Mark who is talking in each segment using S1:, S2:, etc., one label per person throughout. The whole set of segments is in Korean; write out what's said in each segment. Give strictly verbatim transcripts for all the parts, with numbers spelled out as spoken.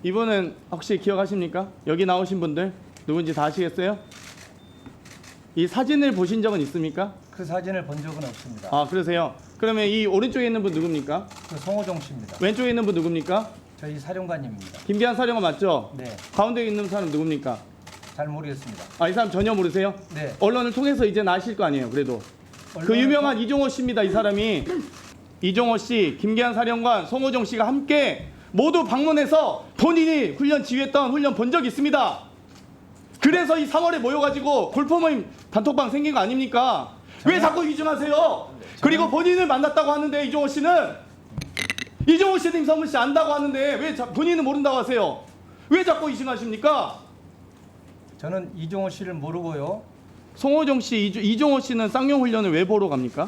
S1: 이분은 혹시 기억하십니까? 여기 나오신 분들 누군지 다 아시겠어요? 이 사진을 보신 적은 있습니까?
S2: 그 사진을 본 적은 없습니다.
S1: 아, 그러세요? 그러면 이 오른쪽에 있는 분 누굽니까?
S2: 그 송호종 씨입니다.
S1: 왼쪽에 있는 분 누굽니까?
S2: 저희 사령관님입니다.
S1: 김기한 사령관 맞죠?
S2: 네,
S1: 가운데 있는 사람 누굽니까?
S2: 잘 모르겠습니다.
S1: 아, 이 사람 전혀 모르세요?
S2: 네.
S1: 언론을 통해서 이제 아실 거 아니에요, 그래도. 그
S2: 언론을
S1: 유명한 이종호 씨입니다, 이 사람이. 이종호 씨, 김기한 사령관, 송호정 씨가 함께 모두 방문해서 본인이 훈련 지휘했던 훈련 본 적이 있습니다. 그래서 이 삼월에 모여가지고 골프 모임 단톡방 생긴 거 아닙니까? 왜 자꾸 위증하세요? 그리고 본인을 만났다고 하는데 이종호 씨는 이종호 씨는 임성근 씨 안다고 하는데 왜 자, 본인은 모른다고 하세요? 왜 자꾸 위증하십니까?
S2: 저는 이종호 씨를 모르고요.
S1: 송호정 씨, 이주, 이종호 씨는 쌍용 훈련을 왜 보러 갑니까?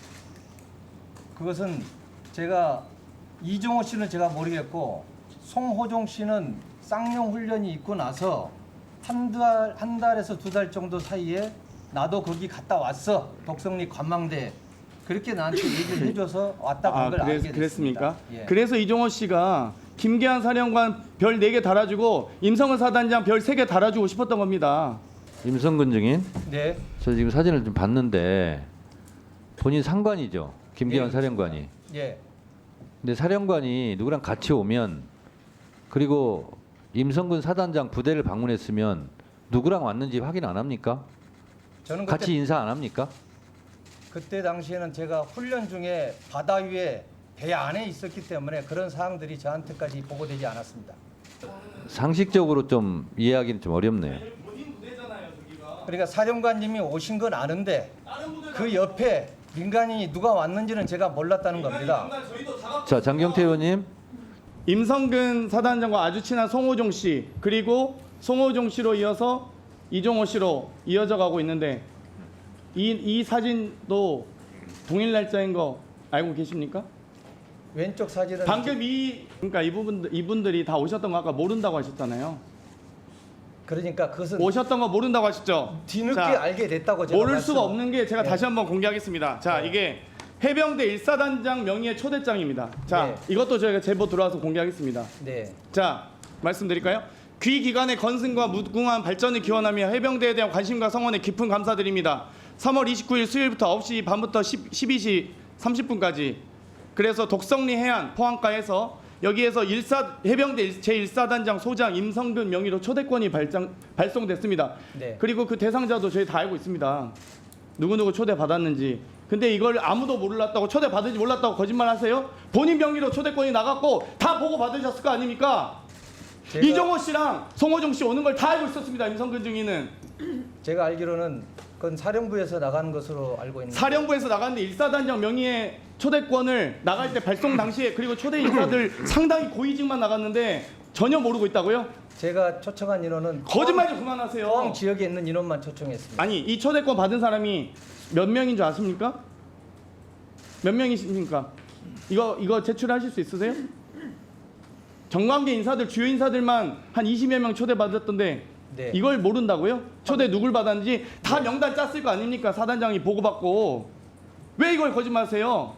S2: 그것은 제가 이종호 씨는 제가 모르겠고 송호종 씨는 쌍용 훈련이 있고 나서 한 달, 한 달에서 두 달 정도 사이에 나도 거기 갔다 왔어. 독성리 관망대. 그렇게 나한테 얘기를 해줘서 왔다 간 걸
S1: 아,
S2: 알게
S1: 그랬,
S2: 됐습니다.
S1: 그랬습니까?
S2: 예.
S1: 그래서 이종호 씨가 김계한 사령관 별 네 개 달아주고 임성근 사단장 별 세 개 달아주고 싶었던 겁니다.
S3: 임성근 증인,
S2: 네.
S3: 저 지금 사진을 좀 봤는데 본인 상관이죠. 김기현
S2: 예,
S3: 사령관이.
S2: 예.
S3: 근데 사령관이 누구랑 같이 오면 그리고 임성근 사단장 부대를 방문했으면 누구랑 왔는지 확인 안 합니까?
S2: 저는 그때,
S3: 같이 인사 안 합니까?
S2: 그때 당시에는 제가 훈련 중에 바다 위에 배 안에 있었기 때문에 그런 사항들이 저한테까지 보고되지 않았습니다.
S3: 상식적으로 좀 이해하기는 좀 어렵네요.
S2: 그러니까 사령관님이 오신 건 아는데 그 옆에 민간인이 누가 왔는지는 제가 몰랐다는 겁니다.
S3: 자, 장경태 의원님.
S1: 임성근 사단장과 아주 친한 송호종 씨 그리고 송호종 씨로 이어서 이종호 씨로 이어져 가고 있는데 이, 이 사진도 동일 날짜인 거 알고 계십니까?
S2: 왼쪽 사진은
S1: 방금 이 그러니까 이 부분 이분들이 다 오셨던 거 아까 모른다고 하셨잖아요.
S2: 그러니까 그것은
S1: 오셨던 거 모른다고 하셨죠?
S2: 뒤늦게
S1: 자,
S2: 알게 됐다고 제가
S1: 모를
S2: 말씀-
S1: 수가 없는 게 제가
S2: 네.
S1: 다시 한번 공개하겠습니다. 자,
S2: 네.
S1: 이게 해병대 일사단장 명의의 초대장입니다. 자,
S2: 네.
S1: 이것도 저희가 제보 들어와서 공개하겠습니다.
S2: 네.
S1: 자, 말씀드릴까요? 귀 기관의 건승과 무궁한 발전을 기원하며 해병대에 대한 관심과 성원에 깊은 감사드립니다. 삼월 이십구일 수요일부터 아홉 시 반부터 십이 시 삼십 분까지 그래서 독성리 해안 포항가에서 여기에서 일사 해병대 제일 사단장 소장 임성근 명의로 초대권이 발장, 발송됐습니다.
S2: 네.
S1: 그리고 그 대상자도 저희 다 알고 있습니다. 누구누구 초대 받았는지. 근데 이걸 아무도 몰랐다고 초대 받은지 몰랐다고 거짓말하세요? 본인 명의로 초대권이 나갔고 다 보고 받으셨을 거 아닙니까?
S2: 제가-
S1: 이종호 씨랑 송호정 씨 오는 걸 다 알고 있었습니다. 임성근 증인은
S2: 제가 알기로는 그건 사령부에서 나가는 것으로 알고 있는데
S1: 사령부에서 나갔는데 일사단장 명의의 초대권을 나갈 때 발송 당시에 그리고 초대 인사들 상당히 고위직만 나갔는데 전혀 모르고 있다고요?
S2: 제가 초청한 인원은
S1: 거짓말 좀
S2: 포항
S1: 그만하세요.
S2: 지역에 있는 인원만 초청했습니다.
S1: 아니 이 초대권 받은 사람이 몇 명인 줄 아십니까? 몇 명이십니까? 이거 이거 제출하실 수 있으세요? 정관계 인사들 주요 인사들만 한 이십여 명 초대 받았던데
S2: 네.
S1: 이걸 모른다고요? 초대 누굴 받았는지 다 명단 짰을 거 아닙니까? 사단장이 보고받고 왜 이걸 거짓말하세요?